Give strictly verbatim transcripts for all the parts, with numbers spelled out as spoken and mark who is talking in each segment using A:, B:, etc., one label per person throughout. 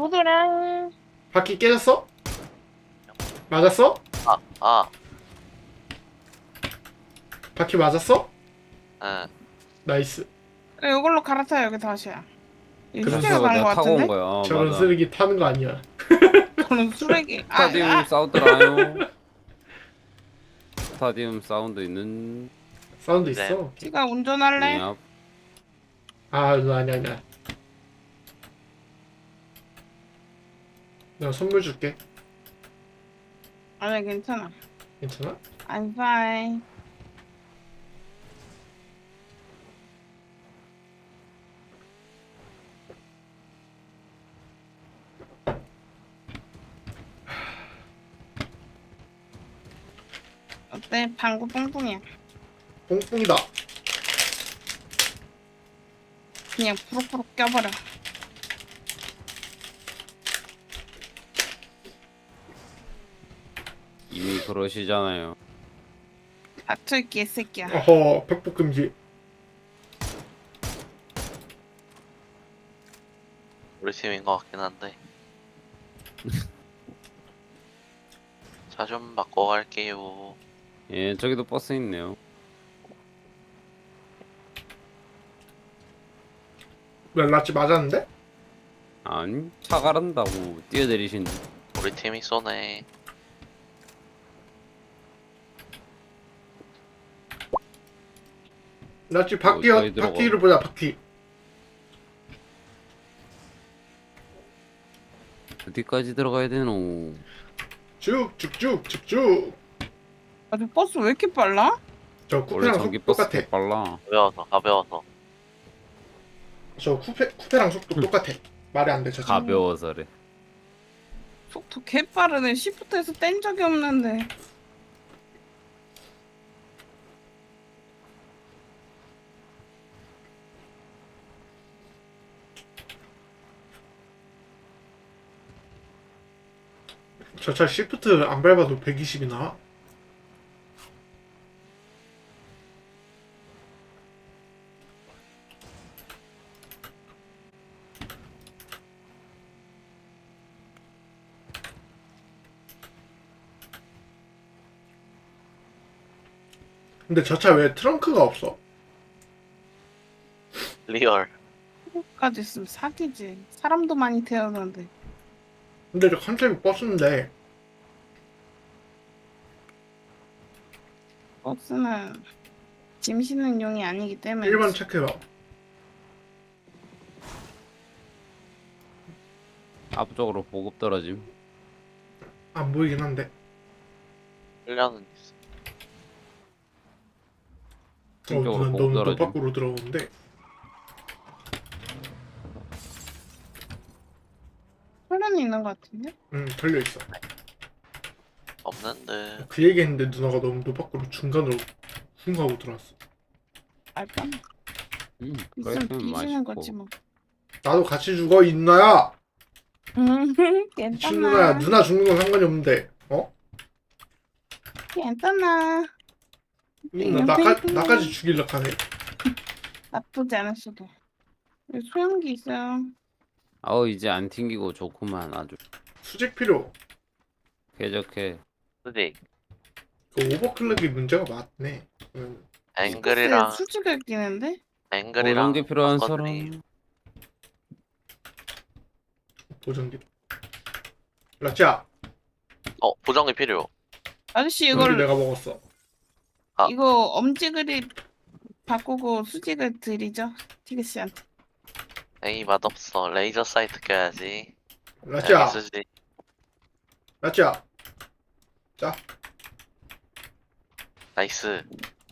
A: 보드랑
B: 바퀴 깨졌어? 맞았어?
C: 아, 아,
B: 바퀴 맞았어?
C: 응.
B: 나이스.
A: 그래, 이걸로 갈아타요. 여기 다시야. 이거
B: 그래서
A: 수제가
D: 그래서
A: 간거
D: 내가 타고 온
A: 같은데?
D: 거야. 어,
B: 저런
D: 맞아.
B: 쓰레기 타는 거 아니야.
A: 저는 쓰레기. 아,
D: 스타디움
A: 아.
D: 사우드라요. 스타디움 사운드 있는
B: 사운드
C: 네.
B: 있어.
A: 지가 운전할래?
D: 앞.
B: 아, 너 아니야, 아니야. 내가 선물 줄게.
A: 아니, 괜찮아.
B: 괜찮아?
A: I'm fine. 어때? 방구 뿡뿡이야.
B: 뽕뽕이다.
A: 그냥 푸룩푸룩 껴버려.
D: 이미 그러시잖아요.
A: 닥쳐 있기 개새끼야.
B: 어허, 팩폭 금지.
C: 우리 팀인 것 같긴 한데. 차 좀 바꿔 갈게요.
D: 예, 저기도 버스 있네요.
B: 왜 라치 맞았는데?
D: 아니, 차 가른다고 뛰어내리신.
C: 우리 팀이 쏘네.
B: 라치 바퀴,
D: 어, 저기 들어가.
B: 바퀴를 보자, 바퀴.
D: 어디까지 들어가야 되노?
B: 쭉, 쭉, 쭉, 쭉, 쭉.
A: 아, 저 버스 왜 이렇게 빨라?
B: 저
D: 원래
B: 쿠페랑
D: 전기
B: 속도
D: 버스
B: 똑같아.
D: 개 빨라.
C: 가벼워서, 가벼워서.
B: 저 쿠페, 쿠페랑 속도 똑같아. 말이 안 돼, 저 차.
D: 가벼워서래.
A: 속도 개 빠르네. 시프트에서 뗀 적이 없는데.
B: 저 차 시프트 안 밟아도 백이십이 나와. 근데 저 차 왜 트렁크가 없어?
C: 리얼.
A: 까지 있으면 사기지. 사람도 많이 태우는데.
B: 근데 저 컨셉이 버스인데
A: 버스는 짐 싣는 용이 아니기 때문에.
B: 일 번 체크해봐.
D: 앞쪽으로 보급 떨어짐.
B: 안 보이긴 한데.
C: 훈련은 있어.
B: 어,
D: 이쪽으로
B: 난
D: 보급
B: 너무 너
D: 떨어짐.
B: 밖으로 들어오는데.
A: 훈련이 있는 것 같은데?
B: 응, 털려있어.
C: 없는데.
B: 그 얘기했는데 누나가 너무 너 밖으로 중간으로 쿵 하고 들어왔어.
A: 알까?
D: 음,
A: 있으면
D: 그랬으면
A: 뒤지는 거지
D: 맛있고.
A: 뭐.
B: 나도 같이 죽어, 이 누나야!
A: 음,
B: 미친 누나야.
A: 괜찮아.
B: 누나 죽는 건 상관이 없는데. 어?
A: 괜찮아.
B: 이 누나 나까, 나까지 죽이려고 하네.
A: 나쁘지 않았어도. 여기 소형기 있어요.
D: 아우, 이제 안 튕기고 좋구만 아주.
B: 수직 필요.
D: 쾌적해.
C: 수직.
B: 그 오버클럭이 문제가 많네. 응.
C: 앵글이랑,
A: 수직을 끼는데?
C: 앵글이랑.
D: 보정기 필요한
C: 바꿔드림.
D: 사람.
B: 보정기. 라치야,
C: 어, 보정기 필요.
A: 아저씨
B: 이걸
A: 이걸
B: 내가 먹었어.
C: 아.
A: 이거 엄지 그립 바꾸고 수직을 드리죠. 티그 씨한테.
C: 에이, 맛없어. 레이저 사이트 껴야지.
B: 라치야,
C: 수지.
B: 라치야. 자,
C: 나이스.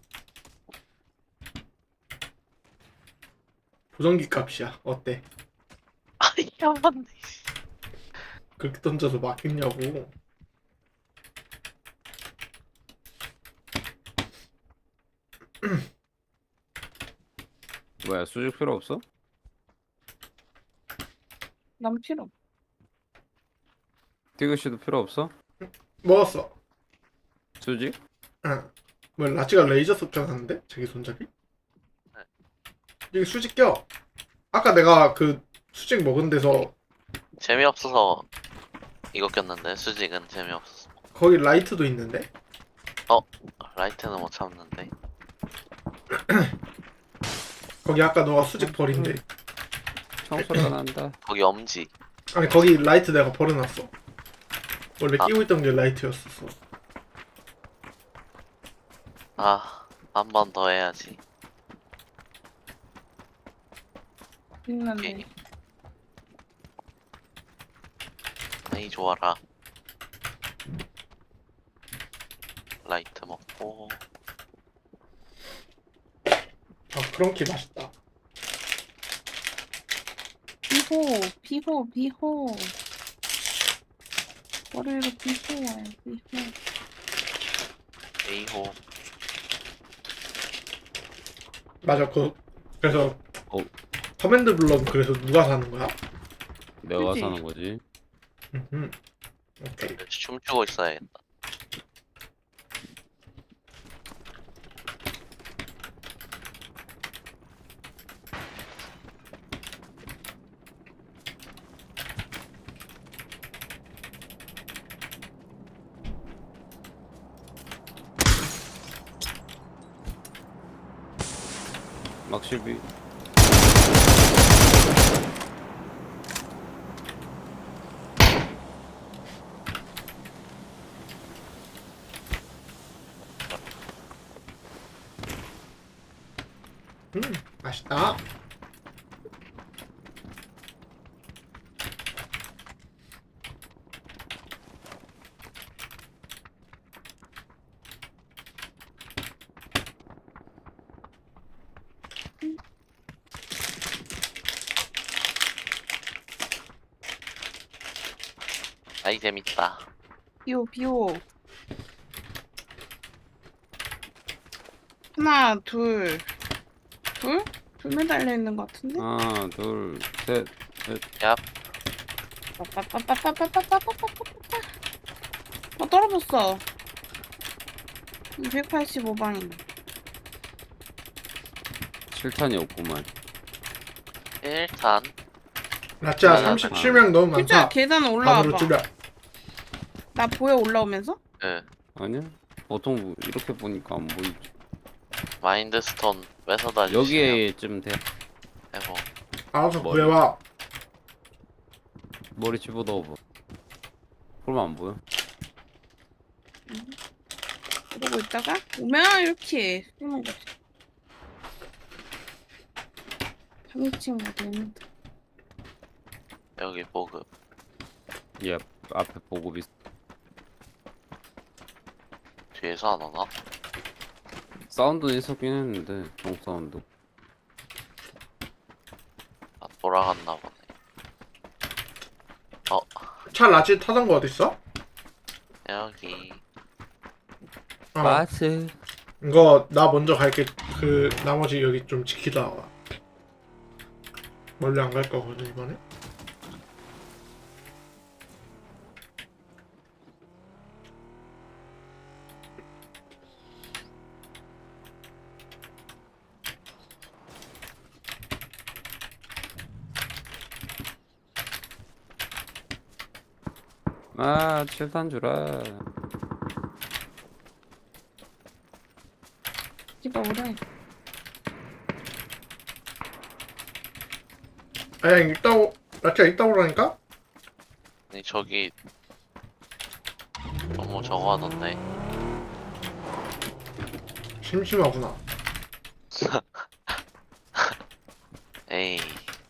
B: 보정기 값이야. 어때?
C: 아이, 한 번.
B: 그렇게 던져서 막혔냐고.
D: 뭐야, 수직 필요 없어?
A: 난 필요.
D: 티그 씨도 필요 없어?
B: 먹었어.
D: 수직?
B: 응. 뭐 라치가 레이저 섭작하는데? 자기 손잡이? 여기 수직 껴. 아까 내가 그 수직 먹은 데서
C: 재미없어서 이거 꼈는데 수직은 재미없어서.
B: 거기 라이트도 있는데?
C: 라이트는 못 참는데.
B: 거기 아까 너가 수직 버린데.
D: 청소가 난다.
C: 거기 엄지.
B: 아니 거기 라이트 내가 버려놨어. 원래
C: 아.
B: 끼고 있던 게 라이트였었어.
C: 아, 한 번 더 해야지.
A: 끝났네.
C: 오케이. 에이 좋아라. 라이트 먹고.
B: 아 크런키 맛있다.
A: 비호, 비호, 비호. 머리로 비호 와요, 비호.
C: 에이호.
B: 맞아 그 그래서
D: 어.
B: 커맨드 블럭 그래서 누가 사는 거야?
D: 내가
A: 그치?
D: 사는 거지.
B: 음. 오케이.
C: 춤추고 있어야겠다.
D: 막실비.
B: 음 맛있다.
C: 아이 재밌다.
A: 비호, 비호. 하나, 둘. 둘? 둘 매달려 있는 것 같은데?
D: 하나, 둘, 셋.
C: 야,
A: 빠빠빠빠빠빠빠빠빠빠빠빠. 어, 떨어졌어. 백팔십오 방이네.
D: 칠탄이 없구만.
C: 일단
B: 라짜
C: 아,
B: 삼십칠 명 너무
A: 진짜
B: 많다.
A: 계단
B: 반으로
A: 올라와봐.
B: 줄여.
A: 나 보여 올라오면서?
C: 그
D: 아니야? 보통 이렇게 보니까 안 보이지.
C: 마인드스톤 뺏어다 주시면
D: 여기에쯤 돼.
C: 해보.
B: 알아서
D: 머리.
B: 구해와.
D: 머리 집어넣어봐. 그러면 안 보여.
A: 그러고 있다가 오면 이렇게 쓰는 거지. 삼인칭가 되는데.
C: 여기 보급.
D: 얘 앞에 보고 있어.
C: 뒤에서 안 오나?
D: 사운드는 있었긴 했는데 종 사운드.
C: 아, 돌아갔나 보네. 어,
B: 차 라지 타던 거 어딨어?
C: 여기.
B: 어.
D: 마스.
B: 이거 나 먼저 갈게. 그 나머지 여기 좀 지키다 와. 멀리 안 갈 거거든 이번에.
D: 아, 칠탄 주라.
A: 집어 오래.
B: 아니 이따 오 라짜 이따 오라니까?
C: 아니, 저기 너무 저거 하던데.
B: 심심하구나.
C: 에이.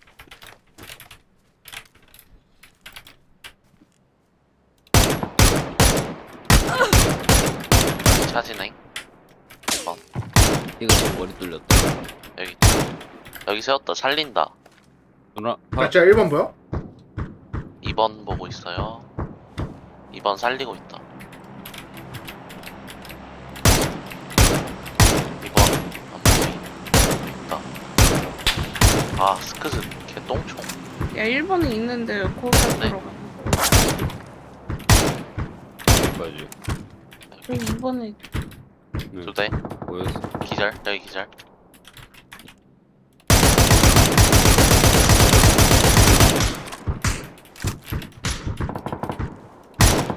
C: 차지네. 어,
D: 이거 지금 머리 뚫렸다.
C: 여기 여기 세웠다. 살린다.
D: 누나, 아,
B: 라짜 일 번 보여?
C: 이 번 보고 있어요. 이 번 살리고 있다. 이 번 안 보인다. 아, 스크즈 개똥총.
A: 야 일 번에 있는데 거기까지
C: 네.
A: 들어가.
D: 여기까지.
A: 여기 이 번에
D: 네,
C: 두 대.
D: 보였어.
C: 기절. 여기 기절.